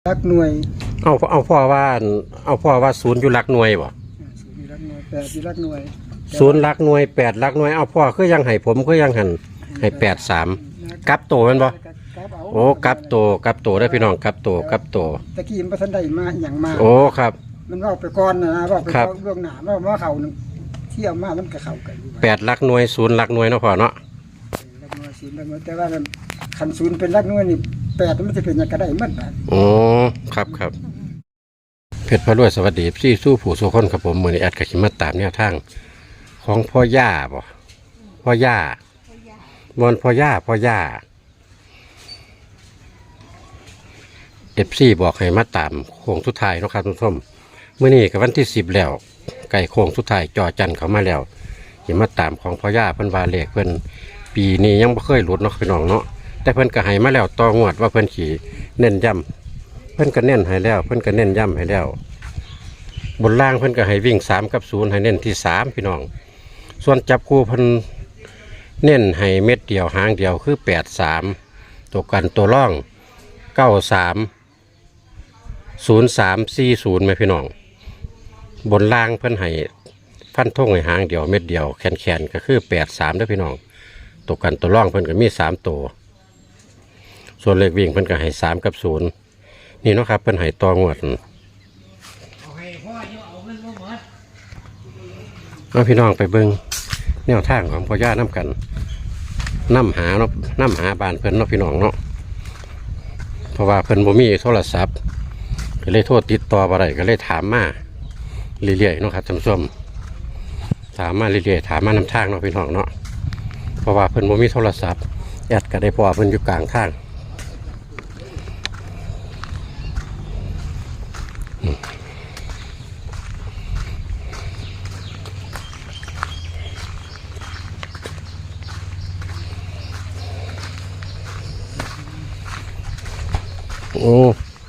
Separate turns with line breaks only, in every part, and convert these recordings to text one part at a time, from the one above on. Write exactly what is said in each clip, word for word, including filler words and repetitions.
รักหน่วย
เอาเอาพ่อว่าเอาพ่อว่าศูนย์อยู่หลักหน่วยบ่
ศูนย์อยู่รักหน่วยแปดอยู่รักหน่วย
ศูนย์หลักหน่วยแปดหลักหน่วยเอาพ่อคือยังให้ผมคือยังหันให้แปดสามกลับโตแม่นบ่โอ้กลับโตกลับโตได้พี่น้องกลับโตกลับโต
ตะกี้มันบ่ทันได้มาอย่างมา
โอ้ครับ
มันว่าไปก่อนนะว่าไปก่อนล่วงหน้าว่าว่าเขาเที่ยวมามันก็เข้ากัน
แปดหลักหน่วยศูนย์หลักหน่วยเนาะพ่อเนาะ
รักหน่วยศูนย์รักหน่วยแต่ว่าคันศูนย์เป็นรักหน่วยนี่แปดมันจะเป็นยังก็ได้หมดบาด
โอ้ครับครับเพชรพระรวยสวัสดีพี่สู้ผู้สู้คนครับผมมื้อนี้แอดก็สิมาตามแนวทางของพ่อย่าบ่พ่อย่ามอนพ่อย่าพ่อย่าเอฟซีบอกให้มาตามโค้งสุดท้ายเนาะครับทุกท่านเมื่อนี้กับวันที่สิบแล้วไก่โค้งสุดท้ายจอจันเขามาแล้วอย่ามาตามของพ่อย่าเพิ่นวาเลขเพิ่นปีนี้ยังไม่เคยหลุดเนาะพี่น้องเนาะแต่เพิ่นก็ให้มาแล้วต่องวดว่าเพิ่นขี่เน้นย่ำเพิ่นก็เน้นให้แล้วเพิ่นก็เน้นย่ำให้แล้วบนล่างเพิ่นก็ให้วิ่งสามกับศูนย์ให้เน้นที่สามพี่น้องส่วนจับคู่เพิ่นเน้นให้เม็ดเดียวหางเดียวคือแปดสามตัวกันตัวร่องเก้าสามศูนย์สามสี่ศูนย์ไหมพี่น้องบนล่างเพิ่นให้ฟันทงให้หางเดียวเม็ดเดียวแขนแขนก็คือแปดสามด้วยพี่น้องตัวกันตัวร่องเพิ่นก็มีสามตัวส่วนเลขวิ่งเพิ่นก็ให้สามกับศูนย์นี่เนาะครับเพิ่นให้ต่องวดเอาพี่น้องไปเบิ้งแนวทางของพ่อย่าน้ำกันน้ำหาเนาะน้ำหาบ้านเพิ่นเนาะพี่น้องเนาะเพราะว่าเพิ่นบ่มีโทรศัพท์ก็เลยโทษติดต่ออะไรก็เลยถามมาเรื่อยๆเนาะครับท่านผู้ชมถามมาเรื่อยๆถามมานำทางเนาะพี่น้องเนาะเพราะว่าเพิ่นบ่มีโทรศัพท์แอดก็ได้พอเพิ่นอยู่กลางทางโอ้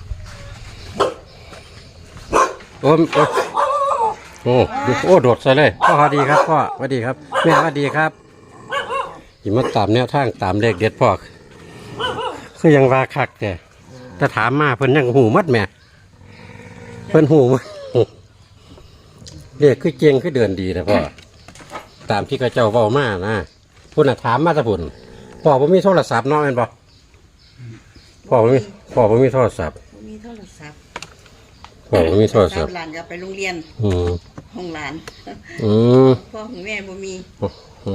โอ้โอ้โอ้โอ้โดดใส่เลยพ่อสวัสดีครับพ่อสวัสดีครับแม่สวัสดีครับยิ่มาตามแนวทางตามเลขเด็ดพ่อคือยังว่าคักแต่ถ้าถามมาเพิ่นยังหูมัดแม่เพิ่นหูมัดเลขคือเจงคือเดินดีนะพ่อตามที่กระเจ้าเว้ามานะพุ่นน่ะถามมาตะพุ่นพ่อผมมีโทรศัพท์เนาะแม่นบ่พ่อผมมีพ่อผมมีโทรศัพท์
มีโทรศัพท์
พ่อผมมีโทรศัพท์
หลานก็ไปโรงเรียนห้องหลาน
อืม
พ่อของแม่บ่มี
อ๋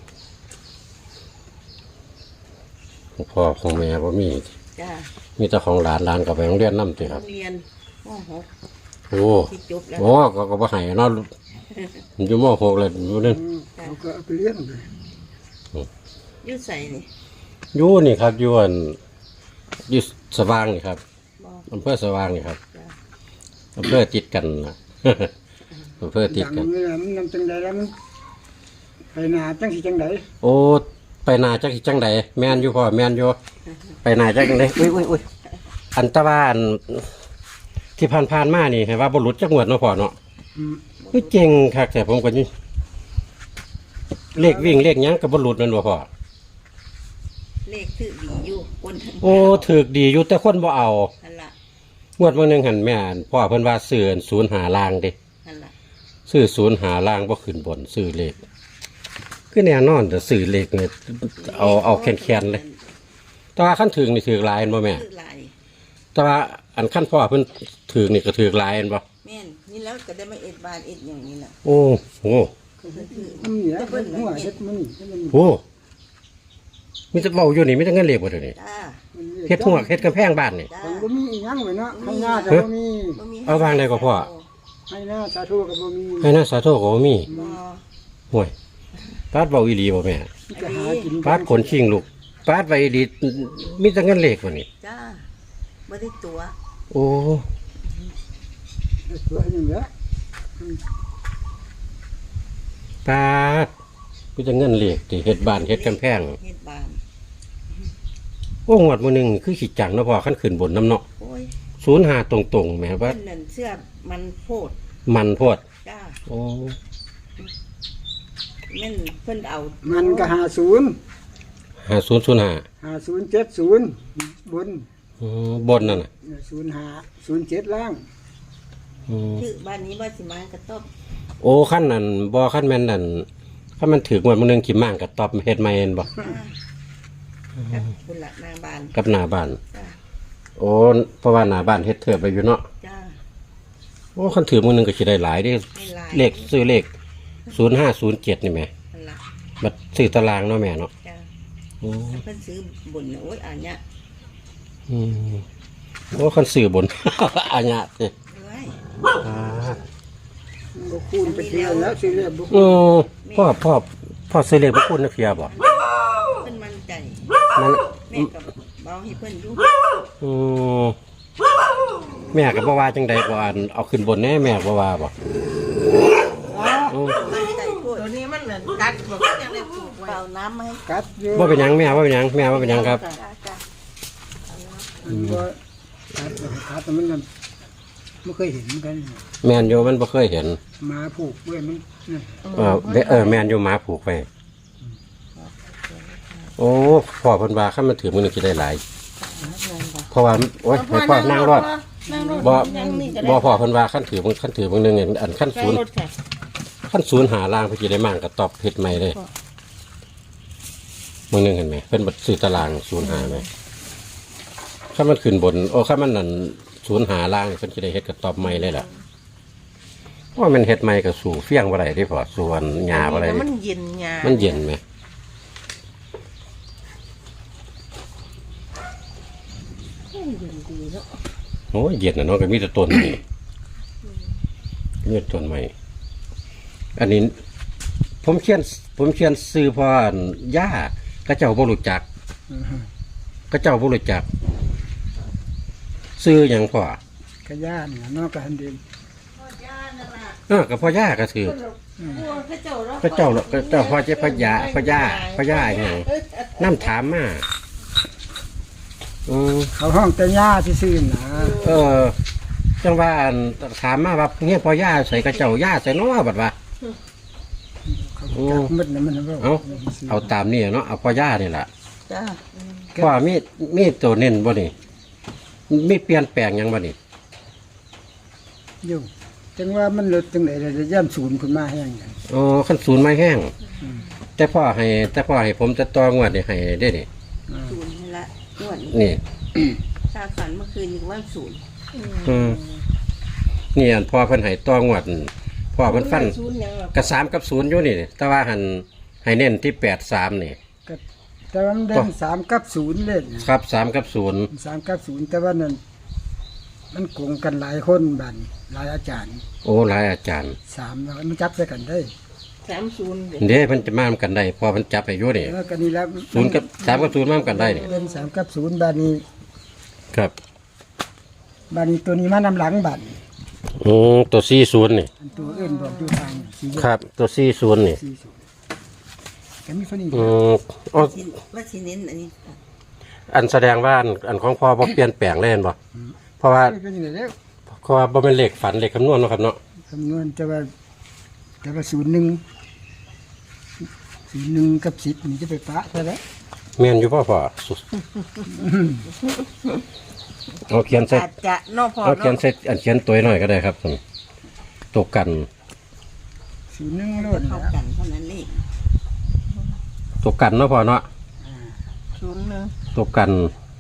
อพ่อของแม่บ่มี
จ้า
มีแต่ของหลานหลานกับไปโรงเรียนนำติครับ
โรงเรียนม.หก
โอ้โอ้ก็ก็บ่ให้เนาะอยู่ม.หกเลยอยู่นั่น
เขาก็ไปเรียนเลย
อยู่ใส่นี่
อยู่นี่ครับอยู่อันอยู่สว่างนี่ครับอำเภอสว่างนี่ครับอำเภอติดกันนะอำเภอติดกัน
มันนำจังใดแล้วมันไปนาจังสิจังใด
โอ้ไปนาจังสิจังใดแม่นอยู่พ่อแม่นอยู่ไปนาจังใดอุ้ยอุ้ยอุ้ยอันตะวันที่ผ่านๆมานี่ให้ว่าบ่หลุดจักงวดเนาะพ่อเนาะคือเก่งคักแต่ผมก็นี่เลขวิ่งเลขหยังก็บ่หลุดแม่นบ่พ่อ
เลขถือดีอยู่คน
โอ้ถือดีอยู่แต่คนบ่เอา
นั่นล่ะ
งวดวันหนึ่งหันแม่พ่อเพิ่นว่าซื้อศูนย์หาล่างเด้
นั่นล่ะ
ซื้อศูนย์หาล่างบ่ขึ้นบนซื้อเลขคือแน่นอนแต่ซื้อเลขเนี่ยเอาเอาแข็งๆเลยแต่ว่าขั้นถึงนี่ถือลายบ่แม่แต่ว่าอันขั้นพ่อเพิ่นถือนี่ก็ถือลายบ่
แม่นนี่แล้วก็ได้มาเอ็ดบานเอ็ดอย่างนี้ล่ะ
โอ้โห
มันเหนียวเพิ่นหัวเฮ็ดมัน
โอ้มีแต่เว้าอยู่นี่มีแต่เงินเลขบ่เด้อนี่เฮ็ดหัวเฮ็ดกำแพงบ้านนี่
มันบ่มีอีหยังเลยเนาะให้หน้าก็บ่มี
เอาวางได้ก็พ่อ
ให้หน้าสาธุก็บ่มี
ให้หน้าสาธุก็บ่มีห่วยปาดเว้าอีหลีบ่แม่ปาดขนชิงลูกปาดไว้ดีมีแต่เงินเลขบ่นี่
จ้าบ่ได้ตัว
โอ้
ตัวอย่างเงี้ย
ปาดมีแต่เงินเลขที่เฮ็ดบ้านเฮ็ดกำแพง
เฮ็ดบ้าน
โอ้งวดมื้อนึงคือขี้จังเนาะพ่อคันขึ้นบนน้ำเนาะ
โอ้ย
ศูนย์ห้าตรงๆแม่ว่า
นั่นเสื้อมันโพด
มันโพด
จ้า
โอ้
แม่นเพิ่นเอา
มันก็ห้าศูนย์
ห้าศูนย์ศูนย์ห้า
ห้าศูนย์เจ็ดศูนย์บน
อืมบนนั่นน่ะ
ศูนย์ห้าศูนย์เจ็ดล่าง
อืม
ชื่อบ้านนี้บ้านสิมากระต๊อบ
โอ้ขั้นนั่นบ่ขั้นแม่นนั่นขั้นมันถือวันมื้อนึงขี่ม่างกับตอบเฮ็ดใหม่เห็นบ่
จ้ากับคุณละนางบาน
กับหน้าบ้าน
จ้า
โอ้เพราะว่าหน้าบ้านเฮ็ดเถิดไปอยู่เนาะ
จ้า
โอ้คันถือมื้อนึงก็สิได้หลายเด้
ไม่ลาย
เลขซื้อเลขศูนย์ห้าศูนย์เจ็ดนี่แหม
มันละ
บัดซื้อตารางเนาะแม่เนาะ
จ้า
โอ้
เพิ่นซื้อบุญน่ะโอ้ยอันเนี้ย
อืมโอ้คันซื้อบน อาญะสิ
เอ้ย
อ่า
บ่คูณไปเที่ยวแล้วซื้อเลขบ่
โอ้พ่อพ่อพ่อซื้อเลขบ่คุณนักเพียบ่
เพิ่นมั่นใจ
มัน
แม่ก็เบาให้เพิ่นอยู่
อืมแม่ก็บ่ว่าจังใดบ่อันเอาขึ้นบนแน่แม่บ่ว่าบ่อืม
มั่นใจโพด
ตัวนี้มันเหมือนกัดบอกว่ายังได้ปลูกไว้
เป่าน้ำมาให้
กัดอยู่
บ่เป็นหยังแม่บ่เป็นหยังแม่บ่เป็นหยังครับ
จ้าจ้า
มันบ่กัดกัดแต่มันมันไม่เคยเห็นเหมือนกัน
แม่นอยู่มันบ่เคยเห็น
หมาผูกเว้ยมันนั่น
เออเด้อเออแม่นอยู่หมาผูกไว้โอ้พ่อเพิ่นว่าคันมันถือมื้อนึงสิได้หลายเพราะว่าโอ้ยให้พ่อนั่งรอด
นั่งรถ
บ่
นั่งนี่ก็ได้
บ่พ่อเพิ่นว่าคันถือมื้อคันถือมื้อนึงเนี่ยอันคัน
นั่
ศู
ง
นย์
รถค่ะ
คันศูนย์หาล่างเพิ่นสิได้มั่งก็ตอบผิดใหม่เลยมื้อนึงเห็นไหมเพิ่นบ่ซื้อตารางศูนย์หาไหมคันมันขึ้นบนโอ้คันมันนั่นศูนย์หาล่างเพิ่นสิได้เฮ็ดก็ตอบใหม่เลยล่ะเพราะว่ามันเฮ็ดใหม่ก็สู่เฟี้ยงบ่ได้เด้พ่อส่วนหญ้าบ่ได้
แต่
เด้
มันเย็นยา
มันเย็นไหม
เย็นดีเนาะ
โอ้ยเย็นนะเนาะก็มีแต่ต้นนี่มีแต่ต้นใหม่อันนี้ ผมเขียน ผมเขียนซื้อเพราะอันย่าก็เจ้าบ่รู้จัก
อือฮึ
ก็เจ้าบ่รู้จัก ซื้อหยังพ่อก
ระย่านเนี่ยนอกกันเดิน
เออก็พ่อย่าก็ถือ
พวกพระเจ้าแล้ว
ก็เจ้าก็เจ้าพ่อเจ้าพญาพญาพญาอหยังน้ำถามมาอืม
เขาห้องแต่ย่าซื่อๆนะ
เออ จังว่าอันถามมาว่าเงี้ยพ่อย่าใส่กระเจ้าย่าใส่น้อบัดว่า
เขาจักมืดนะมันนะ
เอาเอาตามนี่เนาะเอาพ่อย่านี่แหละ
จ้า
พ่อมีมีตัวเน้นบ่นี่มีเปลี่ยนแปลงหยังบ่นี่
อยู่จังว่ามันลดจังได๋เลยย่ำศูนย์ขึ้นมาแห้งอย่าง
อ๋อขั้นศูนย์ไม้แห้งแต่พ่อให้แต่พ่อให้ผมจะต่องวดนี่ให้ได้นี่
อ่า
ศูนย์ให้ละนวด
นี่
ตาฝันเมื่อคืนอยู่ว่าศูนย์
อืมนี่อันพ่อเพิ่นให้ต่องวดพ่อเพิ่นฟัน
ศูนย์ยังหรอก
กระสามกับศูนย์อยู่นี่ แต่ว่าหันให้เน้นที่แปดสามนี่
ก็แต่ว่ามันเด่นสามกับศูนย์เล่นนะครับ
สามกับศูนย์
สามกับศูนย์แต่ว่านั่นมันโกงกันหลายคนบัดหลายอาจารย์
โอ้หลายอาจารย์
สามแล้วมันจับใส่กันได้
สามศูนย์
เด้เพิ่นจะมานำกันได้พอเพิ่นจับให้อยู่นี่
แล้วก็นี่แล้ว
ศูนย์กับสามกับศูนย์มานำกันได้นี่
เด่นสามกับศูนย์บาดนี้
ครับ
บาดนี้ตัวนี้มานำหลังบัด
อืมตัวสี่ศูนย์นี่
อันตัวอื่นบอกอยู่ทางสี่แยก
ครับ ตัวสี่ศูนย์นี่
สี่ศูนย์ก็มีคนนี้
อืมอ๋อ
ที่ว่าสิเน้นอันนี้
อันแสดงว่าอันอันของพ่อบ่เปลี่ยนแปลงเลยเห็นบ่เพราะว่า
ก็ยังไงแล้ว
เพราะว่าบ่เป็นเลขฝันเลขคำนวณเนาะครับเนาะ
คำนวณแต่ว่าแต่ว่าศูนย์หนึ่งศูนย์หนึ่งกับสิบนี่จะไปปะใช่ไหม
แม่นอยู่พ่อพ่อสุเอาเขียนใส่
อาจจะเนอกพอ
เอาเขียน
เนาะ
ใส่อันเขียนตัวหน่อยก็ได้ครับผมตกกัน
ศูนย์หนึ่งโลด
เข้า
แล้ว
กันเท่านั้นเลข
ตกกันเนาะพ่อเนาะ
ศูนย์หนึ่ง
ตกกัน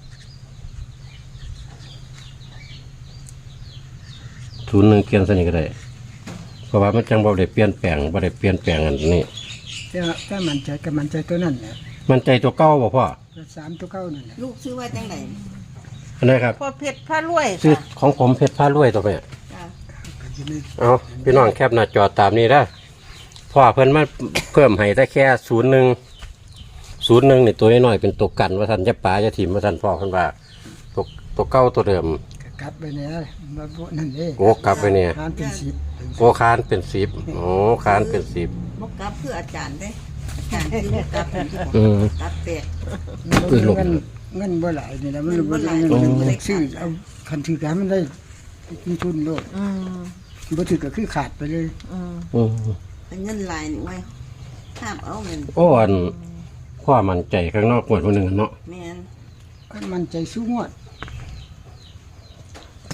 ศูนย์หนึ่งเขียนใส่นี่ก็ได้เพราะว่ามันจังบ่ได้เปลี่ยนแปลงบ่ได้เปลี่ยนแปลงอันนี้
แต่ว่าถ้ามันใจกับมันใจตัวนั้นแหละ
มันใจตัวเก่าบ่พ่อ
ตัวสามตัวเก้านั่นแหละ
ลูกชื่อว่าจังไหน
อันนี้ครับ
พ่อเพชรผ้ารวย
ชื่อ
ค่ะ
ของผมเพชรผ้ารวยตัวแม่
จ้า
ก็จะไม่
เอาพี่น้องแคบหน้าจอตามนี้ได้พ่อเพิ่นมาเพิ่มให้ได้แค่ศูนย์หนึ่งศูนย์หนึ่งนี่ตัวน้อยๆเป็นตัวกันว่าท่านจะปลาจะถิ่มว่าท่านพ่อเพิ่นว่าตัวตัวเก้าตัวเดิม
ก็กลับไปเนี่ยมาโบนั่นเอง
โอ้กลับไปเนี่ย
ทานเป็นสิบ
โอ้คานเป็นสิบโอ้คานเป็นสิบ
บกกลับเพื่ออาจารย์ได้อาจารย์ที่บกกลับเป็นที่บอก
อืม
กลับแตก
อุ้ยหลบ
เงินเงินบ่หลายนี่แหละมัน
เงินบ่
บ่
ห
ได้
ลาย
เงิน
โอ้
มันบ่ซื้อเอาคันถือการมันได้มีทุนโลด
อืม
บ่ถือก็คือขาดไปเลย
อืม
อืม
เป็นเงินลายนี่ไว้ห้ามเอาเงิน
โอ้อันพ่อมันใจข้างนอกหมดคนหนึ่งเนาะ
แมน
ก็มันใจสู้งวด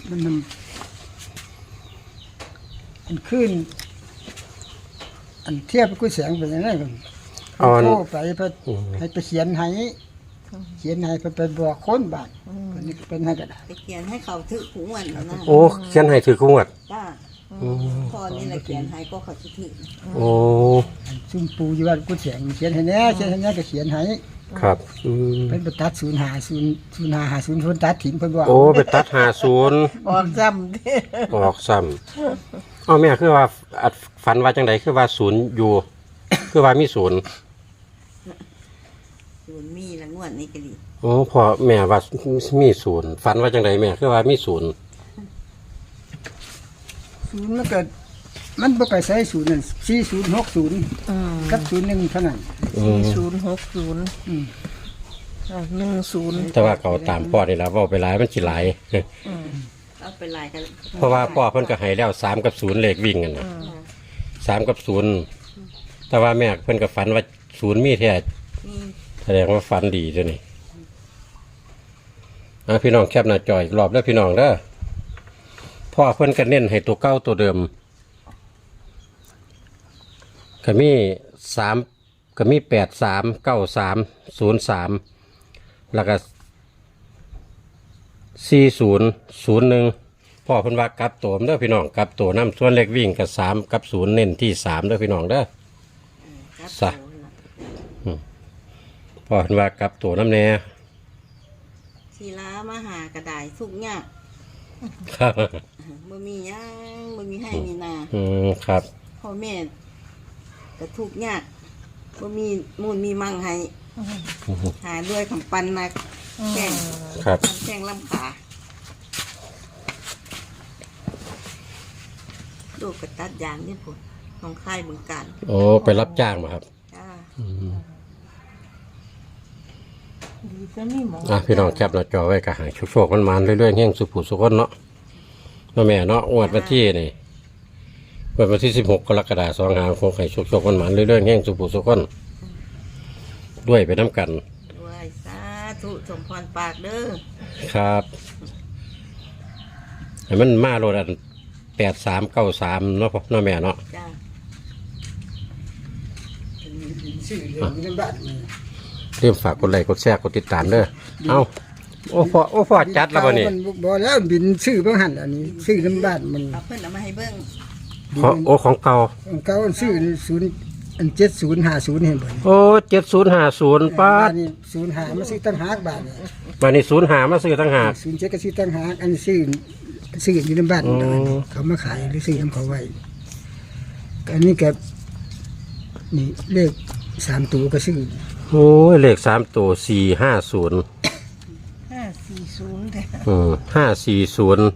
มันมันอันขึ้นอันเทียบกับกุ้ยแสงเป็นยังไงกัน
อ่อน
โทรไปเพื่อให้ไปเขียนให้เขียนให้เพื่อไปบอกคนบ้านคนนี้เป็นให้ก็ได้
ไปเขียนให้เขาถือถุงวันแล้วนะ
โอ้เขียนให้ถือคู่งวด
จ้า
อืม
พอนี่แหละเขียนให้ก็เขาจะถือ
โอ้
ซุ่มปูอยู่ว่ากุ้ยแสงเขียนให้แน่เขียนให้แน่ก็เขียนให้
ครับอืม
เป็นไปตัดศูนย์หาศูนย์ศูนย์หาหาศูนย์ศูนย์ตัดถิ่นเพิ่นบอก
โอ้ไปตัดหาศูนย์
ออกซ้ำเด้
ออกซ้ำเอาแม่คือว่าอัดฝันว่าจังไดคือว่าศูนย์อยู่ คือว่ามีศูนย์
ศูนย์มีละงวดนี้ก็ดี
โอ้พอแม่ว่ามีศูนย์ฝันว่าจังไดแม่คือว่ามีศูนย์
ศูนย์มันเกิดมันบ่ไปใช้ศูนย์นั่นสี่ศูนย์หกศูนย์
อืม
กับศูนย์หนึ่งเท่านั้น
อื
สี่
ม
ศูนย์หกศูนย์
อืม
หนึ่งศูนย์
แต่ว่าเขาตามพ่อนี่ละเว่าไปหลายมันสิหลาย
เอาไปลายกัน
เพราะว่าพ่อเพิ่นก็ให้แล้วสามกับศูนย์เลขวิ่งกันนะสามกับศูนย์แต่ว่าแม่เพิ่นก็ฝันว่าศูนย์มีแท้
มี
แสดงว่าฝันดีตัวนี้อ่ะพี่น้องแคปหน้าจออีกรอบแล้วพี่น้องเด้อพ่อเพิ่นก็เน้นให้ตัวเก้าตัวเดิมก็มีสามก็มีแปดสามเก้าสามศูนย์สามแล้วก็สี่ศูนย์ศูนย์หนึ่งพ่อเพิ่นว่ากลับตัวเด้อพี่น้องกลับตัวน้ำส่วนเล็กวิ่งกับสามกับศูนย์เน้นที่สามเด้อพี่น้องเด้อ
ครับ
ซะ พ่อเพิ่นว่ากลับตัวน้ำแน่
ศิลามาหากระดายทุกยาก
ครับ
บ่มีหยังบ่มีให้มีนา
อืมครับ
พ่อแม่ก็ทุกข์ยากบ่มีมูลมีมั่งให้หาด้วยคำปันมาแข่ง
ครับ
แข่งลำขาลูกกระตัดยางนี่พุ่นของค่ายบึงการ
โอ้ไปรับจ้างมาครับ
จ้า
อืม
ดีจะมีหมอ
อ่ะพี่น้องแคปหน้าจอไว้กะหายโชคๆมันมาเรื่อยๆแห่งสุขุสุขนเนาะเนาะแม่เนาะงวดวันที่นี่งวดวันที่สิบหกกรกฎาคมสองหาคงให้โชคๆมันมาเรื่อยๆแห่งสุขุสุขนด้วยไปน้ำกัน
ด้วยสาธุสมพรปากเด้อ
ครับให้มันมาโลดันแปดสามเก้าสามเนาะพ่อเนาะแม่เนาะ
จ้า
ชื่อเรื่องนี้บ้านนี่
เริ่มฝากกดไลค์กดแชร์กดติดตามเด้อเอาโอ้พ่อโอ้พ่อจัดแล้วบ่นี่
มันบ่แล้วบินชื่อบ่หันอันนี้ชื่อน้ำบ้านมัน
เอาเพิ่นเอามาให้เบิ่ง
ขอโอ้ของเก่า
ของเก่าอันชื่อศูนย์อันเจ็ดศูนย์ห้าศูนย์เห็นบ่
โอ้เจ็ดศูนย์ห้าศูนย์ป้า
บ้า
ด
นนี้ศูนย์ห้ามาซื้อตั้งหากบาทนี่
วันนี้ศูนย์หามาซื้อตั้งหาก
ศูนย์เจ็ดก็ซื้อตั้งหากอันนี้ซื้อซื้ออยู่ในบ้าน
อ๋อ
เขามาขายหรือซื้อน้ำเขาไว้อันนี้ก็นี่เลขสามตัวก็ซื้อ
โอ้ยเลขสามตัวสี่ห้าศูนย์
ห้าสี่ศูนย์แต่
อืมห้าสี่ศูนย์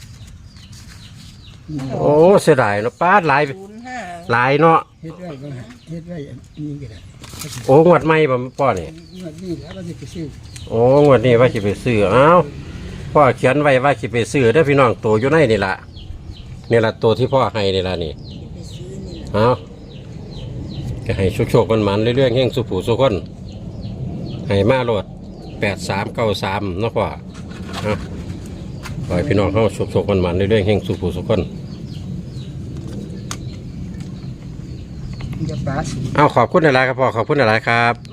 โอ้เสียดายเนาะป้าดหลาย
ศูนย์ห้า
หลายเนาะ
เฮ็ดไว้บ้างฮะเฮ็ดไว้อันนี้ก็ได้
โอ้งวดใหม่บ่ป้อนี่
งวดนี้แล้วมันจะไปซื้อ
โอ้งวดนี้ว่าสิไปซื้อเอ้าพ่อเขียนไว้ว่าสิไปซื้อเด้อพี่น้องตัวอยู่ในนี่ล่ะนี่ล่ะตัวที่พ่อให้นี่ล่ะนี่
ไปซื้อนี่ล่ะ
เอาก็ให้โชคๆมันๆเรื่อยๆแห่งสุผูสุคนให้มาโลดแปดสามเก้าสามเนาะพ่อเอาขอให้พี่น้องเฮาโชคๆมันๆเรื่อยๆแห่งสุผูสุคน
มันจะปลาสูง
เอาขอบคุณหลายๆครับพ่อขอบคุณหลายๆครับ